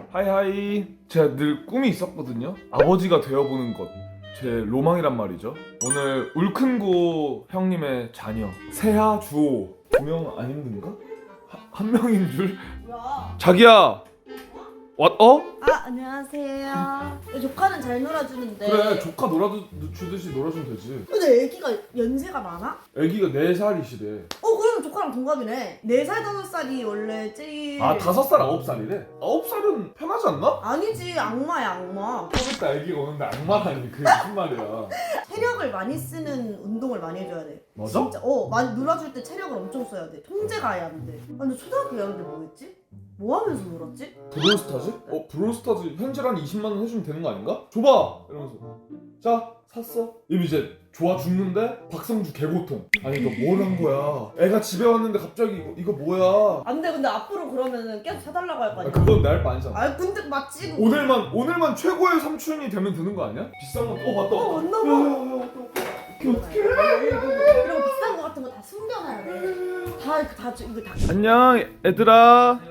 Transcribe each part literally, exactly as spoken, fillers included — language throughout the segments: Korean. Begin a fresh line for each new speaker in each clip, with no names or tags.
하이하이. 제가 늘 꿈이 있었거든요. 아버지가 되어보는 것. 제 로망이란 말이죠. 오늘 울큰고 형님의 자녀 세하 주호. 두 명 안 힘든가? 하, 한 명인 줄?
뭐야?
자기야. 왓 어?
아 안녕하세요. 조카는 잘 놀아주는데.
그래 조카 놀아주듯이 놀아주면 되지.
근데 애기가 연세가 많아?
애기가 네 살이시래.
어 그러면 조카랑 동갑이네. 네 살 다섯 살이 원래 제일.
아 다섯 살 아홉 살이래? 아홉 살은 편하지 않나?
아니지 악마야 악마.
그러니까 애기가 오는데 악마라니 그게 무슨 말이야.
체력을 많이 쓰는 운동을 많이 해줘야 돼.
맞아?
진짜 어 많이 놀아줄 때 체력을 엄청 써야 돼. 통제가 해야 안 돼. 아, 근데 초등학교 여는데 뭐 했지? 뭐 하면서 놀았지?
브롤스타즈? 어 브롤스타즈 현질 한 이십만 원 해주면 되는 거 아닌가? 줘봐! 이러면서 자 샀어? 이러면 이제 좋아 죽는데 박성주 개고통. 아니 이거 뭘 한 거야. 애가 집에 왔는데 갑자기 이거, 이거 뭐야.
안 돼. 근데 앞으로 그러면은 계속 사달라고 할 거
아,
아니야.
그건 내 할 바 아니잖아.
아 근데 맞지. 그거.
오늘만 오늘만 최고의 삼촌이 되면 되는 거 아니야? 비싼 거 어 맞다.
어, 맞나 봐.
야야야 어떻게 어떻게
그리고 비싼 거 같은 거 다 숨겨놔야 돼. 다 이거 다 이거 다.
안녕 얘들아.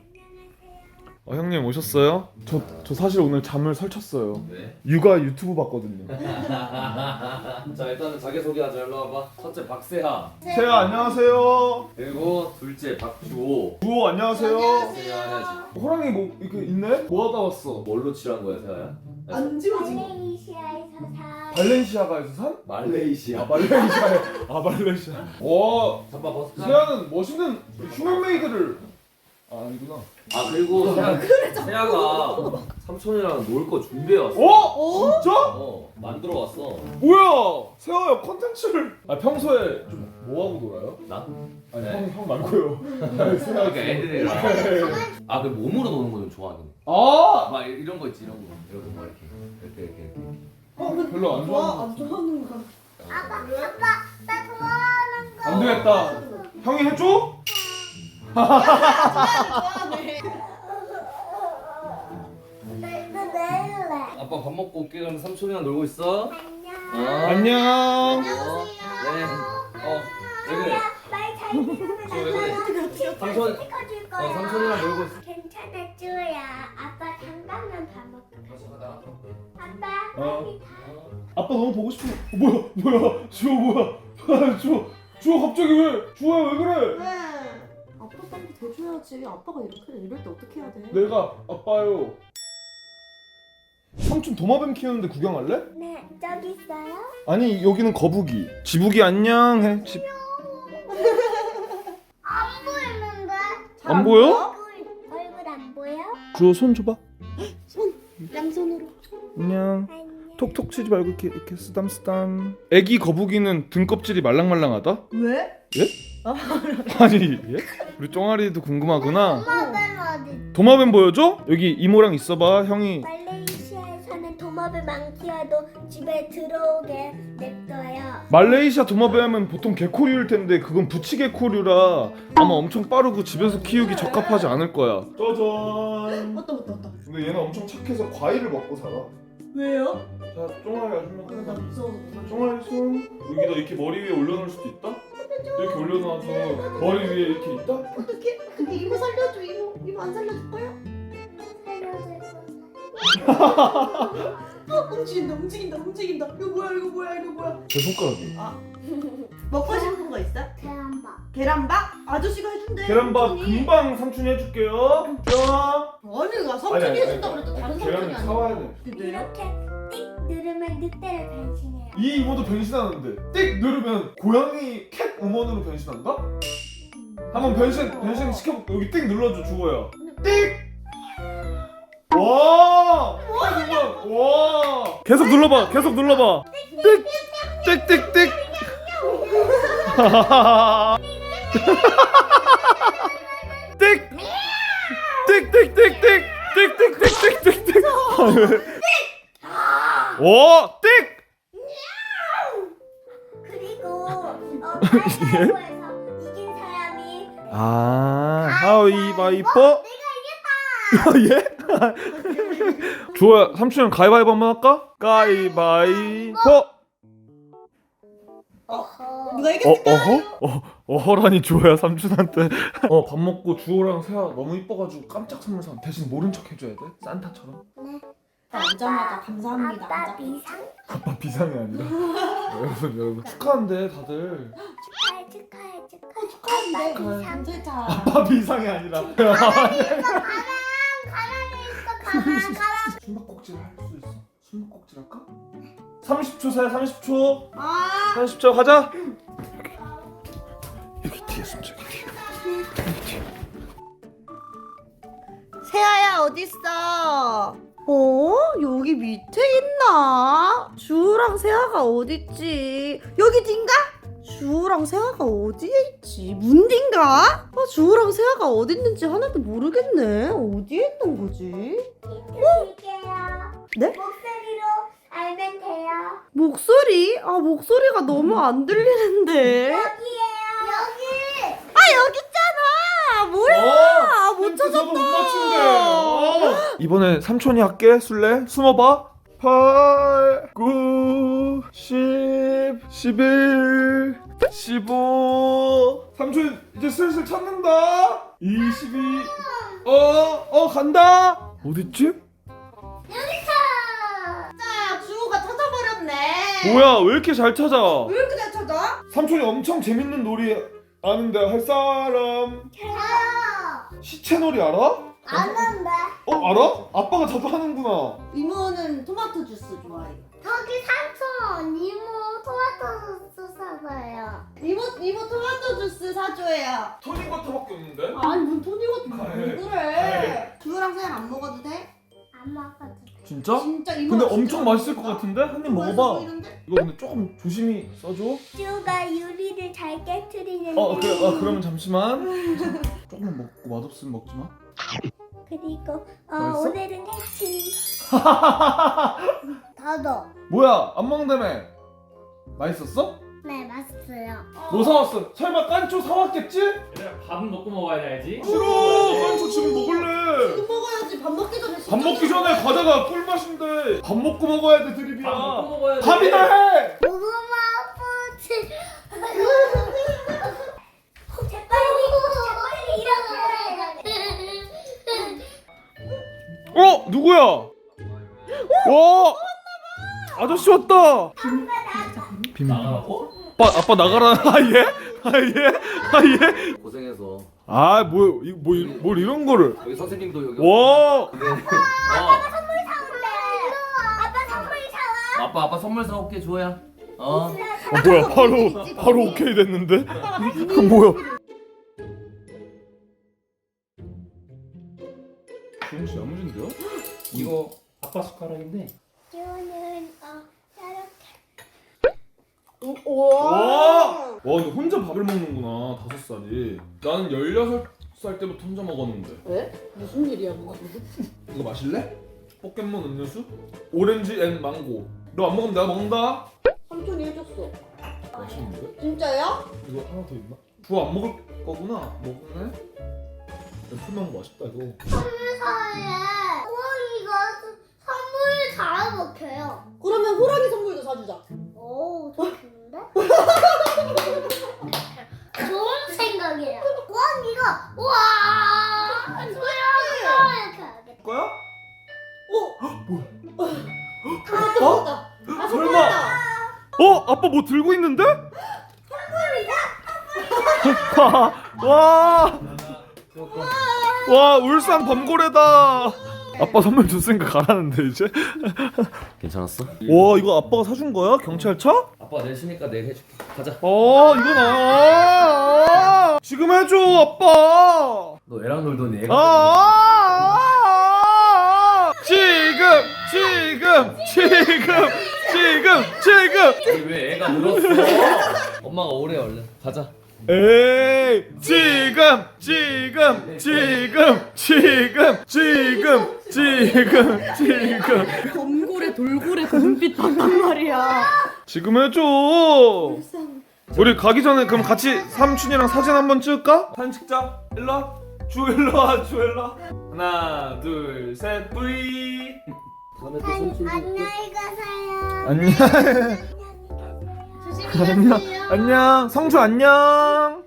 어, 형님 오셨어요? 저, 저 사실 오늘 잠을 설쳤어요.
네.
육아 유튜브 봤거든요.
자 일단은 자기소개하자. 일로 와봐. 첫째 박세하,
세아 안녕하세요.
그리고 둘째 박주호.
주호 안녕하세요.
세하 해야지.
호랑이 뭐 이렇게 있네? 뭐 하다 왔어?
뭘로 칠한 거야 세하야?
안 지워진 거.
말레이시아에서 사
발렌시아가에서 산?
말레이시아.
아 말레이시아에 아 말레이시아. 와
잠깐 벗을까?
세아는 멋있는 휴먼메이드를 아 아니구나.
아 그리고 세하, 세하가 삼촌이랑 놀 거 준비해 왔어.
어? 진짜?
어 만들어 왔어.
뭐야? 세아야 컨텐츠를 아 평소에 좀 뭐 하고 놀아요?
나?
아니
네.
형, 형 말고요. 세아
그러니까 애들이랑. 아그 몸으로 노는 거 좀 좋아하긴 해.
아
막 이런 거 있지 이런 거. 이런 거 막 이렇게 이렇게 이렇게 이렇게.
어 근데
별로 안
좋아
좋아하는
안 좋아하는 거.
아빠 아빠 나 좋아하는 거
안 되겠다. 형이 해줘?
좋아하네.
나 내일래
아빠 밥 먹고 올게. 그럼 삼촌이랑 놀고 있어.
안녕
어.
안녕.
어. 네. 어. 왜 그래?
말잘 들으면
왜 그래?
삼촌
삼촌.
찍어줄
어
거야
삼촌이랑 놀고 있어.
괜찮아 쭈야 아빠 잠깐만 밥 먹고 가 아빠
어.
빨리 가
아빠 너무 보고 싶어. 어, 뭐야 뭐야 주호 뭐야. 주호 주호 갑자기 왜 주호야 왜 그래?
네. 아빠 빨리 대줘야지. 아빠가 이렇게 이럴 때 어떻게 해야 돼?
내가 아빠요. 삼촌 도마뱀 키우는데 구경할래?
네 저기 있어요
아니 여기는 거북이. 지북이 안녕 해. 집...
안 보이는데
잘
안 보여?
얼굴 얼굴 안 보여
주호 손 줘봐.
손 양손으로.
안녕.
안녕
톡톡 치지 말고 이렇게 이렇게 쓰담 쓰담. 애기 거북이는 등껍질이 말랑말랑하다?
왜?
예? 아니 예? 우리 쫑아리도 궁금하구나.
도마뱀 어디
도마뱀 보여줘? 여기 이모랑 있어봐. 형이
말레이시아에서는 도마뱀 안 키워도 집에 들어오게 냅둬요.
말레이시아 도마뱀은 보통 개코류일 텐데 그건 부치개코류라 아마 엄청 빠르고 집에서 키우기 적합하지 않을 거야. 짜잔.
맞다 맞다 맞다.
근데 얘는 엄청 착해서 과일을 먹고 살아.
왜요?
자, 쫑아리 아줌마
나
가자.
무서워서.
쫑아리 손 여기다 이렇게 머리 위에 올려놓을 수도 있다? 이렇게 올려놔서 머리 위에 이렇게 있다?
어떻게? 근데 이모 살려줘 이모. 이모 안 살려줄 거야?
살려줄 거야.
어 움직인다 움직인다 움직인다. 이거 뭐야 이거 뭐야 이거 뭐야?
제 손가락이.
먹고 싶은 거 있어?
계란밥.
계란밥? 아저씨가 해준대.
계란밥
삼촌이.
금방 삼촌이 해줄게요. 쫑아.
아니 나 삼촌이 해준다 그랬다. 다른 삼촌이
계란을
아니야.
사와야 돼.
근데요?
이렇게 띡 누르면 늑대를 변신해요.
이 이모도 변신하는데 띡 누르면 고양이 캣 우먼으로 변신한다? 한번 변신 변신 시켜볼게. 여기 띡 눌러줘 주호야. 띡. 와. 우먼. 와. 계속 눌러봐. 계속 눌러봐. 띡. 띡띡띡. 띡. 띡띡띡띡. 띡띡띡띡띡. 오. 띡.
그리고 어, 가위바위보에서 이긴 사람이
아, 가위바위보.
내가 이겼다.
예? 주호야, 삼촌이랑 가위바위보 한번 할까? 가위바위보.
어허.
누가
어,
이겼을까?
어허? 어, 어허라니 주호야 삼촌한테. 어 밥 먹고 주호랑 세아 너무 이뻐가지고 깜짝 선물 사. 대신 모른 척 해줘야 돼. 산타처럼.
앉자마자 감사합니다.
아빠
앉아.
비상
아빠 비상이 아니라. 여러분 여러분 축하한대 다들.
축하해 축하해 축하해
축하한데
아빠 비상
감사차.
아빠 비상이 아니라.
가방 가방에 있어 가방 가방
숨바꼭질 할 수 있어. 숨바꼭질 할까? 삼십 초 세 삼십 초.
아
삼십 초 가자. 여기 뒤에 숨자 여기 뒤에.
세아야 어딨어? 어? 여기 밑에 있나? 주우랑 세아가 어딨지? 여기 딘가? 주우랑 세아가 어디에 있지? 문딘가? 아, 주우랑 세아가 어디 있는지 하나도 모르겠네. 어디에 있는 거지?
힌트 드릴게요.
네?
목소리로 알면 돼요.
목소리? 아 목소리가 너무 안 들리는데.
여기에요. 여기.
아 여기 있잖아. 뭐야? 못 찾았다.
못 맞춘대. 어. 이번에 삼촌이 할게. 술래 숨어봐. 팔, 구, 십, 십일, 십오. 삼촌 이제 슬슬 찾는다. 이십이. 어, 어 간다. 어딨지?
여기서.
자 주우가 찾아버렸네.
뭐야 왜 이렇게 잘 찾아?
왜 이렇게 잘 찾아?
삼촌이 엄청 재밌는 놀이 아는데 할 사람.
저요.
시체놀이 알아?
아는데.
어 알아? 아빠가 자주 하는구나.
이모는 토마토 주스 좋아해요.
저기 삼촌 이모 토마토 소스 사봐요.
이모 이모 토마토 주스 사줘요.
토니버터밖에 없는데?
아니 뭔 토니가
아,
왜
네.
그래? 주우랑 세안 안 먹어도 돼?
안 먹어도 돼.
진짜?
진짜 이모.
근데 엄청 맛있을 것 같은데? 한 입 먹어봐. 이거 근데 조금 조심히 써줘.
쭈가 유리를 잘 깨트리는.
어 그래. 아 그러면 잠시만. 조금만 먹고 맛없으면 먹지 마.
그리고 어,
맛있어?
오늘은 해치. 더더.
뭐야 안 먹는다며? 맛있었어?
네 맛있어요.
뭐 사왔어? 설마 깐초 사왔겠지?
얘들아 밥은 먹고 먹어야지.
싫어. 깐초 지금 먹을래.
지금 먹어야지. 밥 먹기 전에.
밥 먹기 전에 과자가 꿀맛인데 밥 먹고 먹어야 돼 드립이야.
밥 먹고 먹어야지.
밥이나 해.
고구마 뿌치. 재빨리 재빨리 일어나.
어 누구야? 와 아저씨 왔다. 비밀.
나가라고?
아빠 아빠 나가라. 아 예? 아 예? 아 예?
고생해서
아뭐뭐뭘 이런 거를.
여기 선생님도 여기
와.
네. 어,
선물 사올래. 아빠 선물 사와.
아빠 아빠 선물 사올게 주호야. 어.
어, 뭐야 바로 바로 오케이 됐는데? 뭐야? 주영 씨 야무진데요?
이거 아빠 숟가락인데.
쭈는 어 이렇게.
와! 와 근데 혼자 밥을 먹는구나 다섯 살이. 나는 열여섯 살 때부터 혼자 먹었는데.
왜? 무슨 일이야 그거?
이거 마실래? 포켓몬 음료수? 오렌지 앤 망고. 너 안 먹으면 내가 먹는다.
삼촌이 해줬어.
맛있는데?
진짜요?
이거 하나 더 있나? 주호 안 먹을 거구나. 먹네. 풀망고 맛있다 이거.
선물 사올래. 호랑이가 선물 잘 먹혀요.
그러면 호랑이 선물도 사주자.
오, 좋은데? 좋은 생각이에요. 호랑이가 우와 소야 이렇게 하겠다.
거야?
오.
뭐야?
아, 또
어?
먹었다. 아,
설마?
선물이다.
어? 아빠 뭐 들고 있는데? 와! 와 울산 범고래다. 아빠 선물 줬으니까 가라는데 이제.
괜찮았어?
와 이거 아빠가 사준 거야? 경찰차?
아빠 내시니까 내가 해줄게. 가자.
어 이건 아 지금 해줘 아빠.
너 애랑 놀더니 애가.
아 지금 지금 지금 지금 지금.
아니, 왜 애가 늘었어? 엄마가 오래 얼른 가자.
에이 지금 지금 지금 지금 지금 지금 지금
범고래 돌고래 그 눈빛 봤단 말이야.
지금 해줘. 우리 가기 전에 그럼 같이 삼촌이랑 사진 한번 찍을까? 사진 찍자. 일로 와. 주 일로 와. 주 일로 와. 하나 둘 셋 뿌이.
다음에 또
안,
손
안녕히 가세요.
안녕.
조심히
안녕.
가세요.
안녕. 성주 안녕.